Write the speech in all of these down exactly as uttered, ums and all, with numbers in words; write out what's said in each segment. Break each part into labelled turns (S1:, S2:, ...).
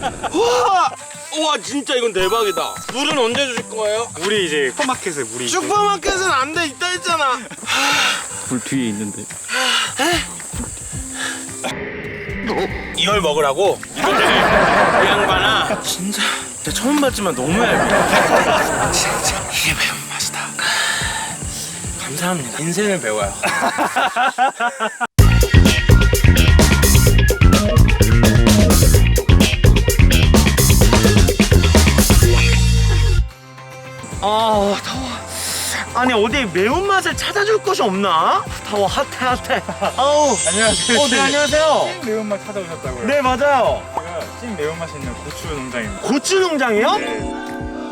S1: 와! 와 진짜 이건 대박이다. 물은 언제 주실 거예요?
S2: 물이 이제 슈퍼마켓에 물이
S1: 슈퍼마켓은 안 돼 있다 했잖아.
S3: 불 뒤에 있는데.
S1: 이걸 먹으라고? 이 양반아 진짜 진짜 처음 봤지만 너무 얇아. 진짜 이게 매운맛이다. 감사합니다. 인생을 배워요. 아 더워. 아니 어디 매운맛을 찾아줄 곳이 없나? 더워 핫해 핫해. 아우
S2: 안녕하세요.
S1: 어, 네 안녕하세요.
S2: 찐 매운맛 찾아오셨다고요?
S1: 네 맞아요.
S2: 제가 찐 매운맛 있는 고추 농장입니다.
S1: 고추 농장이요?
S2: 네.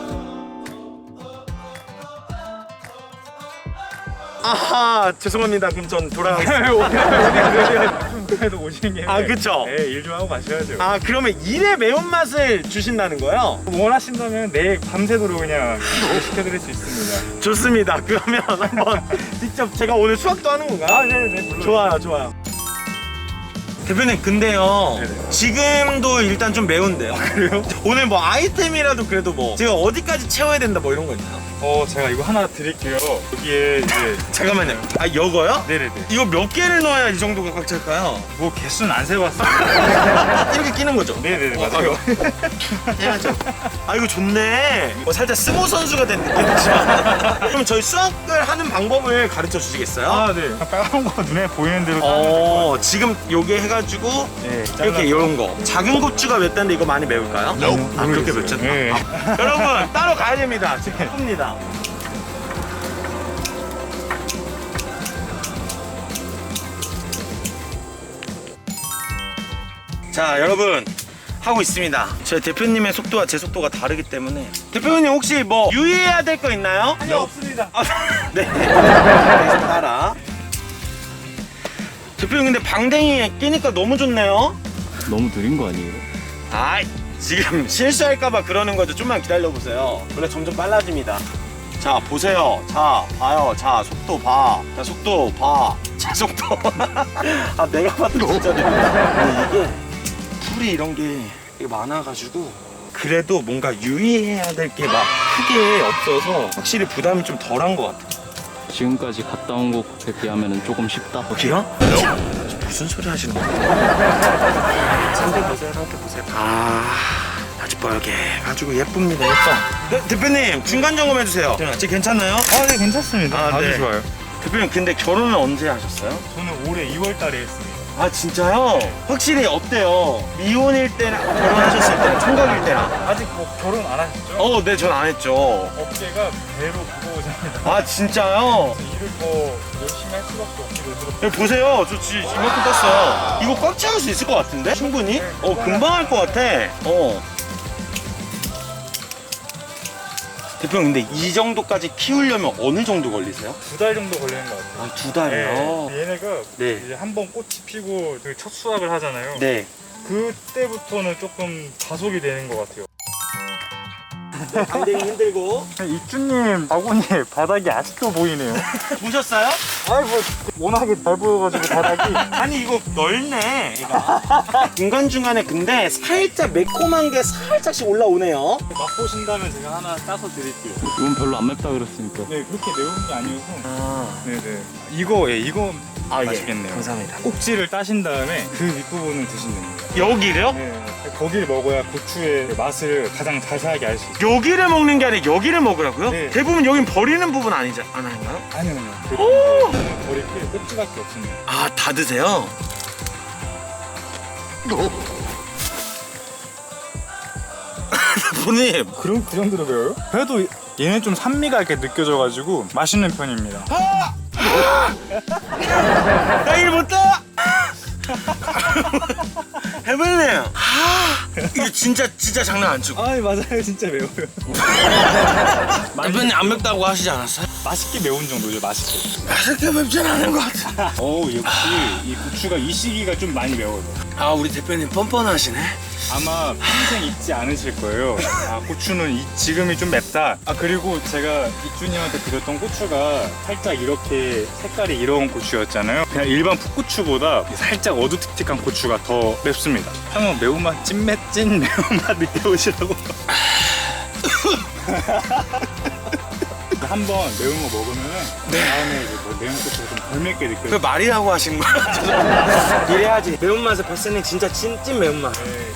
S1: 아하 죄송합니다. 그럼 전 돌아가겠습니다.
S2: 그래도 오시는 게
S1: 아, 그쵸?
S2: 네, 일 좀 하고 가셔야죠.
S1: 아 그러면 일의 매운맛을 주신다는 거예요?
S2: 원하신다면 내일 밤새도록 그냥 시켜드릴 수 있습니다.
S1: 좋습니다. 그러면 한번 직접 제가 오늘 수학도 하는 건가요?
S2: 아, 네네, 물론.
S1: 좋아요 좋아요. 대표님 근데요
S2: 네네.
S1: 지금도 일단 좀 매운데요.
S2: 그래요?
S1: 오늘 뭐 아이템이라도 그래도 뭐 제가 어디까지 채워야 된다 뭐 이런 거 있나요?
S2: 어, 제가 이거 하나 드릴게요. 여기에 이제
S1: 잠깐만요. 아 이거요?
S2: 네네네.
S1: 이거 몇 개를 넣어야 이 정도가 꽉 찰까요?
S2: 뭐 개수는 안 세봤어요.
S1: 이렇게 끼는 거죠?
S2: 네네네, 맞아요.
S1: 해야죠. 아 이거 좋네. 뭐 살짝 스모 선수가 된 느낌이지만 그럼 저희 수학을 하는 방법을 가르쳐 주시겠어요?
S2: 아, 네. 빨간 거 눈에 보이는 대로
S1: 어 지금 요게 해가지고
S2: 네,
S1: 이렇게 이런 거 작은 고추가 몇 단데 이거 많이 매울까요? 아 그렇게 몇 잔?
S2: 네.
S1: 아, 여러분 따로 가야 됩니다. 지금 바쁩니다. 자 여러분 하고 있습니다. 제 대표님의 속도와 제 속도가 다르기 때문에 대표님 혹시 뭐 유의해야 될 거 있나요?
S2: 아니, 없습니다.
S1: 아, 네. 따라. 대표님 근데 방댕이 끼니까 너무 좋네요.
S3: 너무 느린 거 아니에요?
S1: 아 지금 실수할까봐 그러는 거죠. 좀만 기다려보세요. 원래 점점 빨라집니다. 자 보세요. 자 봐요. 자 속도 봐. 자 속도 봐. 자 속도. 아 내가 봐도 진짜 느린다. 이게 풀이 이런 게 많아가지고 그래도 뭔가 유의해야 될 게 막 크게 없어서 확실히 부담이 좀 덜한 것 같아요.
S3: 지금까지 갔다 온 곳에 비하면 조금 쉽다.
S1: 여기요? 무슨 소리 하시는 거예요? 상대 보세요, 상대 보세요. 아, 아주 뻘게 가지고 예쁩니다, 예뻐. 네, 대표님 중간 점검 해주세요. 제 괜찮나요?
S2: 아, 네, 괜찮습니다.
S1: 아,
S2: 아주
S1: 네.
S2: 좋아요.
S1: 대표님 근데 결혼은 언제 하셨어요?
S2: 저는 올해 이월 달에 했습니다.
S1: 아 진짜요? 확실히 어때요? 미혼일 때나 결혼하셨을 때나 총각일 때나?
S2: 아직 뭐 결혼 안 하셨죠?
S1: 어, 네, 전 안 했죠.
S2: 어깨가 배로 무거워집니다.
S1: 아 진짜요?
S2: 일을 더 열심히 할 수밖에 없게 되더라고요.
S1: 여기 보세요. 저 지, 이만큼 땄어요. 이거 꽉 채울 수 있을 것 같은데? 충분히? 어, 금방 할 것 같아. 어. 대표님, 근데 이 정도까지 키우려면 어느 정도 걸리세요?
S2: 두 달 정도 걸리는 것 같아요.
S1: 아, 두 달이요?
S2: 네, 얘네가
S1: 네.
S2: 이제 한번 꽃이 피고 저희 첫 수확을 하잖아요.
S1: 네.
S2: 그때부터는 조금 자속이 되는 것 같아요.
S1: 방댕이 힘들고.
S2: 이쭈님 바구니 바닥이 아직도 보이네요.
S1: 보셨어요?
S2: 아이 뭐 워낙에 잘 보여가지고 바닥이.
S1: 아니, 이거 넓네, 얘가. 중간중간에 근데 살짝 매콤한 게 살짝씩 올라오네요.
S2: 맛보신다면 제가 하나 따서 드릴게요.
S3: 이건 별로 안 맵다 그랬으니까.
S2: 네, 그렇게 매운 게 아니어서.
S1: 아,
S2: 네네. 이거, 예, 이거
S1: 아
S2: 맛있겠네요.
S1: 예, 감사합니다.
S2: 꼭지를 따신 다음에 그 윗부분을 드시면 됩니다.
S1: 여기를요?
S2: 네, 거기를 먹어야 고추의 맛을 가장 자세하게 알 수 있어요.
S1: 여기를 먹는 게 아니라 여기를 먹으라고요?
S2: 네.
S1: 대부분 여긴 버리는 부분 아니지 않아요?
S2: 아니요, 아니요. 버릴 게 꼭지밖에 없습니다.
S1: 아, 다 드세요? 본님.
S2: 그럼 그 정도로 매워요? 그래도 얘는 좀 산미가 이렇게 느껴져가지고 맛있는 편입니다.
S1: 나 일 못다! 해볼래요? 아, 이게 진짜 진짜 장난 안 치고.
S2: 아 맞아요, 진짜 매워요.
S1: 대표님 안 맵다고 하시지 않았어요?
S2: 맛있게 매운 정도죠, 맛있게.
S1: 맛있게 맵진 않은 것 같아.
S2: 어 역시 이 고추가 이 시기가 좀 많이 매워요.
S1: 아 우리 대표님 뻔뻔하시네.
S2: 아마 평생 잊지 않으실 거예요. 아 고추는 이, 지금이 좀 맵다. 아 그리고 제가 이쭈님한테 드렸던 고추가 살짝 이렇게 색깔이 이런 고추였잖아요. 그냥 일반 풋고추보다 살짝 어두틱틱한 고추가 더 맵습니다. 한번 매운맛 찐맛 찐 매운맛 느껴보시라고. 한번 매운 거 먹으면 네. 다음에 이제 뭐 매운 고추가 좀 덜 맵게
S1: 그
S2: 느껴져요.
S1: 말이라고 하신 거야? 이래야지. 매운맛을 봤으니 진짜 찐찐 매운맛.
S2: 네.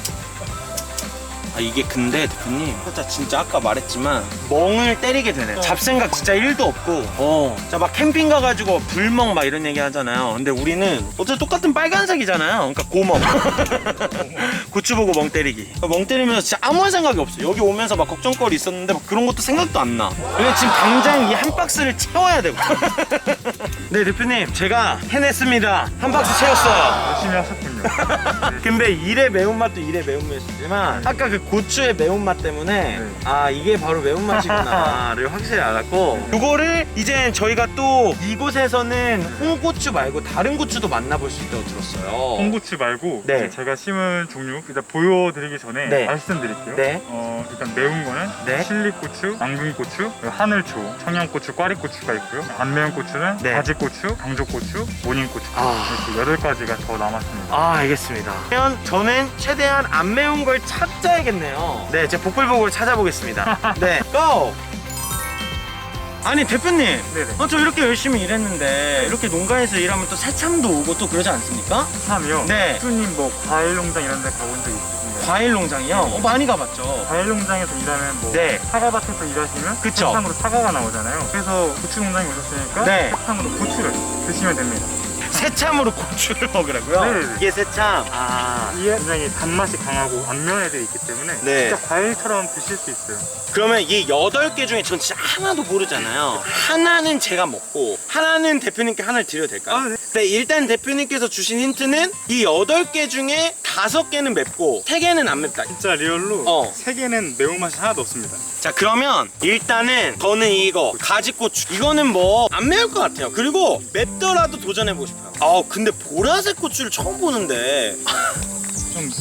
S1: 아 이게 근데 대표님 진짜 진짜 아까 말했지만 멍을 때리게 되네. 어. 잡생각 진짜 일도 없고 어. 자 막 캠핑 가가지고 불멍 막 이런 얘기 하잖아요. 근데 우리는 어차피 똑같은 빨간색이잖아요. 그러니까 고멍. 고추 보고 멍 때리기. 멍 때리면서 진짜 아무 생각이 없어. 여기 오면서 막 걱정거리 있었는데 막 그런 것도 생각도 안 나. 왜냐면 지금 당장 이 한 박스를 채워야 되고. 네 대표님 제가 해냈습니다. 한 박스 채웠어요.
S2: 열심히 하셨군요.
S1: 근데 일의 매운맛도 일의 매운맛이지만 아까 그 고추의 매운맛 때문에
S2: 네.
S1: 아 이게 바로 매운맛이구나를 확실히 알았고 이거를 이제 저희가 또 이곳에서는 홍고추 말고 다른 고추도 만나볼 수 있다고 들었어요.
S2: 홍고추 말고
S1: 네.
S2: 이제 제가 심은 종류 일단 보여드리기 전에
S1: 네.
S2: 말씀드릴게요.
S1: 네.
S2: 어, 일단 매운 거는
S1: 네.
S2: 칠리고추, 앙금고추, 하늘초, 청양고추, 꽈리고추가 있고요. 안 매운 고추는
S1: 네.
S2: 가지고추, 강조고추, 모닝고추
S1: 아.
S2: 이렇게 여덟 가지가 더 남았습니다.
S1: 아 알겠습니다. 그러면 저는 최대한 안 매운 걸 찾아야겠네요. 네, 제가 복불복으로 찾아보겠습니다. 네, 고! 아니 대표님,
S2: 네네.
S1: 어, 저 이렇게 열심히 일했는데 이렇게 농가에서 일하면 또 새참도 오고 또 그러지 않습니까?
S2: 참이요.
S1: 네.
S2: 수님 뭐 과일 농장 이런 데 가본 적 있으신가요?
S1: 과일 농장이요? 어, 많이 가봤죠.
S2: 과일 농장에서 일하면 뭐
S1: 네.
S2: 사과밭에서 일하시면
S1: 그쵸.
S2: 세탕으로 사과가 나오잖아요. 그래서 고추 농장에 오셨으니까
S1: 네.
S2: 세탕으로 고추를 드시면 됩니다.
S1: 새참으로 고추를 먹으라고요?
S2: 네네네.
S1: 이게 새참. 아.
S2: 이게 굉장히 단맛이 강하고 안면 애들이 있기 때문에
S1: 네.
S2: 진짜 과일처럼 드실 수 있어요.
S1: 그러면 이 여덟 개 중에 전 진짜 하나도 모르잖아요. 하나는 제가 먹고 하나는 대표님께 하나를 드려도 될까요?
S2: 아, 네.
S1: 네, 일단 대표님께서 주신 힌트는 이 여덟 개 중에 다섯 개는 맵고 세 개는 안 맵다.
S2: 진짜 리얼로
S1: 어.
S2: 세 개는 매운맛이 하나도 없습니다.
S1: 자 그러면 일단은 저는 이거 가지고추 이거는 뭐 안 매울 것 같아요. 그리고 맵더라도 도전해보고 싶어요. 아 근데 보라색 고추를 처음 보는데
S2: 좀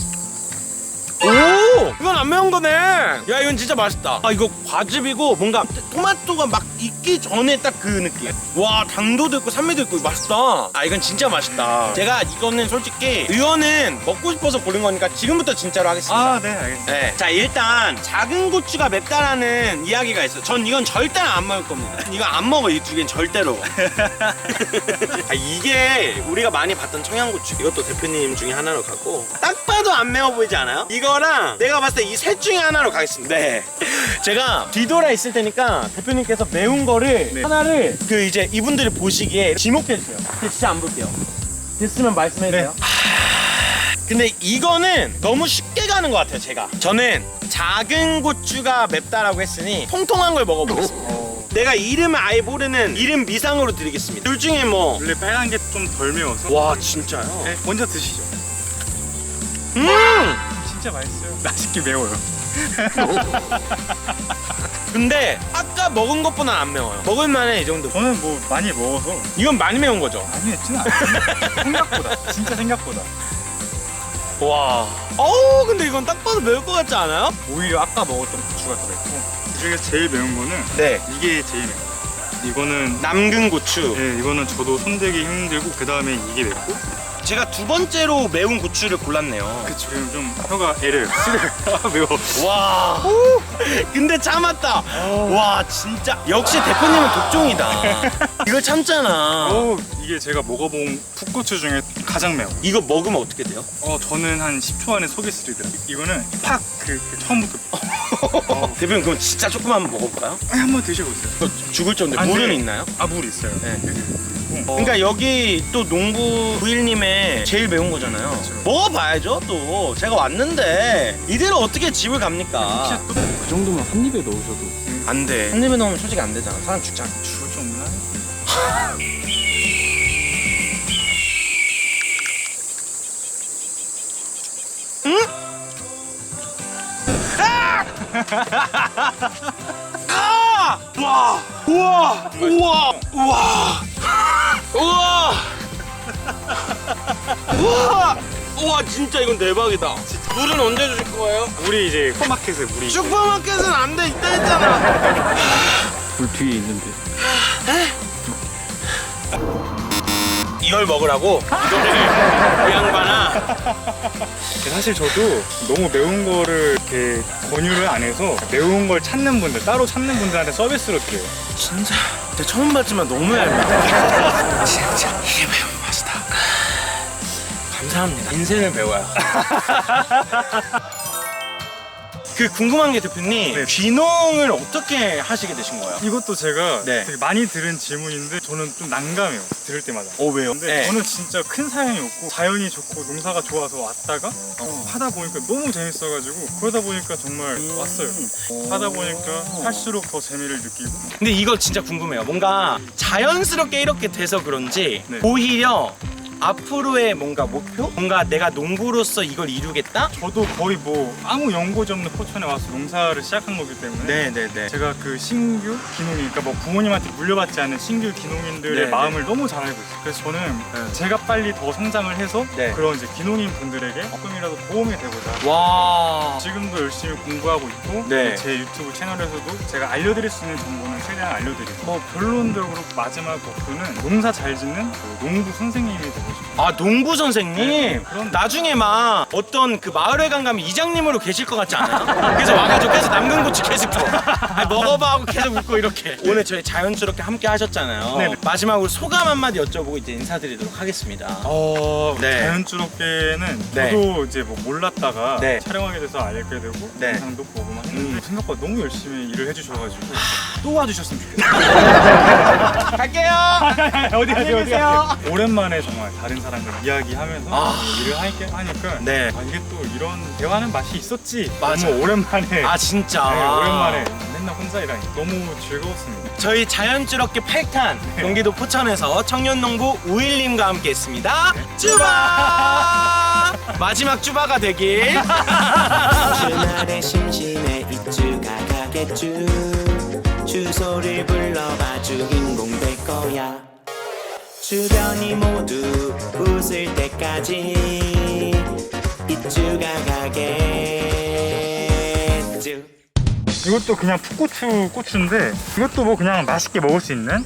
S1: 오! 이건 안 매운 거네. 야 이건 진짜 맛있다. 아 이거 과즙이고 뭔가 토마토가 막 익기 전에 딱 그 느낌. 와 당도도 있고 산미도 있고 맛있다. 아 이건 진짜 맛있다. 제가 이거는 솔직히 이거는 먹고 싶어서 고른 거니까 지금부터 진짜로 하겠습니다.
S2: 아, 네, 알겠습니다.
S1: 네. 자 일단 작은 고추가 맵다라는 이야기가 있어요. 전 이건 절대 안 먹을 겁니다. 이거 안 먹어. 이 두 개는 절대로. 아, 이게 우리가 많이 봤던 청양고추. 이것도 대표님 중에 하나로 가고 딱 봐도 안 매워 보이지 않아요? 이거랑 내가 봤을 때 이 셋 중에 하나로 가겠습니다. 네. 제가 뒤돌아 있을 테니까 대표님께서 매운 거를
S2: 네.
S1: 하나를 그 이제 이분들이 보시기에 지목해 주세요. 근데 진짜 안 볼게요. 됐으면 말씀해 주세요.
S2: 네.
S1: 근데 이거는 너무 쉽게 가는 것 같아요. 제가 저는 작은 고추가 맵다라고 했으니 통통한 걸 먹어보겠습니다.
S2: 어,
S1: 내가 이름을 아예 모르는 이름 미상으로 드리겠습니다. 둘 중에 뭐
S2: 원래 빨간 게 좀 덜 매워서
S1: 와 진짜요?
S2: 네, 먼저 드시죠.
S1: 음!
S2: 진짜 맛있어요. 맛있게 매워요.
S1: 근데 아까 먹은 것보다 안 매워요. 먹을만해 이 정도.
S2: 저는 뭐 많이 먹어서
S1: 이건 많이 매운 거죠?
S2: 많이 맵지는 않아요. 생각보다 진짜 생각보다
S1: 와. 어우 근데 이건 딱 봐도 매울 것 같지 않아요?
S2: 오히려 아까 먹었던 고추가 들어있고 그 중에서 제일 매운 거는
S1: 네.
S2: 이게 제일 매워요. 이거는
S1: 남근 고추.
S2: 네, 이거는 저도 손대기 힘들고 그 다음에 이게 맵고
S1: 제가 두 번째로 매운 고추를 골랐네요.
S2: 그 지금 좀 혀가 애를 쓰려요. 아, 매워.
S1: 와. 근데 참았다. 와 진짜 역시 대표님은 독종이다. 이걸 참잖아.
S2: 어, 이게 제가 먹어본 풋고추 중에 가장 매워.
S1: 이거 먹으면 어떻게 돼요?
S2: 어, 저는 한 십 초 안에 속이 쓰리더라고요. 이거는 팍 그 처음부터 어.
S1: 대표님 그럼 진짜 조금만 한번 먹어볼까요?
S2: 아니, 한번 드셔보세요.
S1: 저 죽을 정도.
S2: 안
S1: 물은
S2: 돼요.
S1: 있나요?
S2: 아, 물 있어요.
S1: 네.
S2: 어.
S1: 그러니까 여기 또 농부 부일님의 제일 매운 거잖아요.
S2: 그렇죠.
S1: 먹어봐야죠 또. 제가 왔는데 이대로 어떻게 집을 갑니까?
S3: 그 정도면 한 입에 넣으셔도.
S1: 안 돼. 한 입에 넣으면 솔직히 안 되잖아. 사람 죽잖아.
S2: 죽을 정도는 아니고.
S1: 아! 와! 우와! 우와! 우와! 우와! 우와! 우와 진짜 이건 대박이다. 물은 언제 주실 거예요?
S2: 물이 이제 슈퍼마켓에 물이
S1: 슈퍼마켓은 안 돼 있다 했잖아.
S3: 불 뒤에 있는데.
S1: 이걸 먹으라고? 이 양반아.
S2: 사실 저도 너무 매운 거를 이렇게 권유를 안 해서 매운 걸 찾는 분들 따로 찾는 분들한테 서비스로 드려요.
S1: 진짜 내가 처음 봤지만 너무 얇다. 진짜 이게 매운 맛이다. 감사합니다. 인생을 배워야. 그 궁금한 게 대표님,
S2: 네.
S1: 귀농을 어떻게 하시게 되신 거예요?
S2: 이것도 제가
S1: 네.
S2: 되게 많이 들은 질문인데 저는 좀 난감해요. 들을 때마다.
S1: 어 왜요?
S2: 근데
S1: 네.
S2: 저는 진짜 큰 사연이 없고 자연이 좋고 농사가 좋아서 왔다가 어, 하다 보니까 너무 재밌어가지고 그러다 보니까 정말
S1: 음.
S2: 왔어요. 하다 보니까 할수록 더 재미를 느끼고.
S1: 근데 이거 진짜 궁금해요. 뭔가 자연스럽게 이렇게 돼서 그런지
S2: 네.
S1: 오히려 앞으로의 뭔가 목표? 뭔가 내가 농부로서 이걸 이루겠다?
S2: 저도 거의 뭐 아무 연고지 없는 포천에 와서 농사를 시작한 거기 때문에
S1: 네네네.
S2: 제가 그 신규 기농인, 그러니까 뭐 부모님한테 물려받지 않은 신규 기농인들의
S1: 네,
S2: 마음을 너무 잘 알고 있어요. 그래서 저는
S1: 네.
S2: 제가 빨리 더 성장을 해서
S1: 네.
S2: 그런 이제 기농인 분들에게 조금이라도 도움이 되고자
S1: 와.
S2: 지금도 열심히 공부하고 있고
S1: 네.
S2: 제 유튜브 채널에서도 제가 알려드릴 수 있는 정보는 최대한 알려드리고 뭐 결론적으로 마지막 목표는 농사 잘 짓는 그 농부 선생님이 되고 싶어요.
S1: 아 농부 선생님?
S2: 네, 그런-
S1: 나중에 막 어떤 그 마을회관 가면 이장님으로 계실 것 같지 않아요? 그래서 와가지고 계속 남근 고추 계속 줘. 아니, 먹어봐 하고 계속 웃고 이렇게. 오늘 저희 자연스럽게 함께 하셨잖아요.
S2: 네네.
S1: 마지막으로 소감 한마디 여쭤보고 이제 인사드리도록 하겠습니다.
S2: 어,
S1: 네.
S2: 자연스럽게는
S1: 네.
S2: 저도 이제 뭐 몰랐다가
S1: 네.
S2: 촬영하게 돼서 알게 되고
S1: 네.
S2: 영상도 보고 막 했는데
S1: 음.
S2: 생각보다 너무 열심히 일을 해주셔가지고 또 와주셨으면 좋겠어요.
S1: 갈게요.
S2: 어디
S1: 안녕히 계세요.
S2: 오랜만에 정말 다른 사람과 이야기하면서
S1: 아.
S2: 일을 하니까 하니까
S1: 네.
S2: 아, 이게 또 이런 대화는 맛이 있었지.
S1: 맞아.
S2: 너무 오랜만에
S1: 아 진짜.
S2: 네, 오랜만에 맨날 혼자 일하니 너무 즐거웠습니다.
S1: 저희 자연스럽게 팔 탄 경기도 포천에서 청년농부 우일님과 함께했습니다. 쭈바 마지막 쭈바가 되길.
S4: 주말에 심심해 이쭈가 가겠쭈 주소를 불러봐 주인공 될 거야 주변이 모두 웃을 때까지 이쭈가 가겠쭈
S2: 이것도 그냥 풋고추 고추인데 이것도 뭐 그냥 맛있게 먹을 수 있는?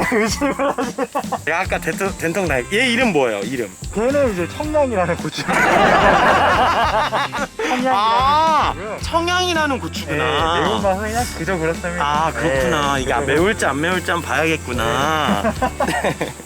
S1: 야 아까 된통, 된통 나. 얘 이름 뭐예요? 이름?
S2: 걔는 이제 청량이라는 고추.
S1: 아
S2: 고추고요.
S1: 청양이라는 고추구나.
S2: 네, 매운맛은 그냥 그저 그렇습니다.
S1: 아 그렇구나.
S2: 네,
S1: 이게
S2: 그저
S1: 매울지 안 매울지 한번 봐야겠구나.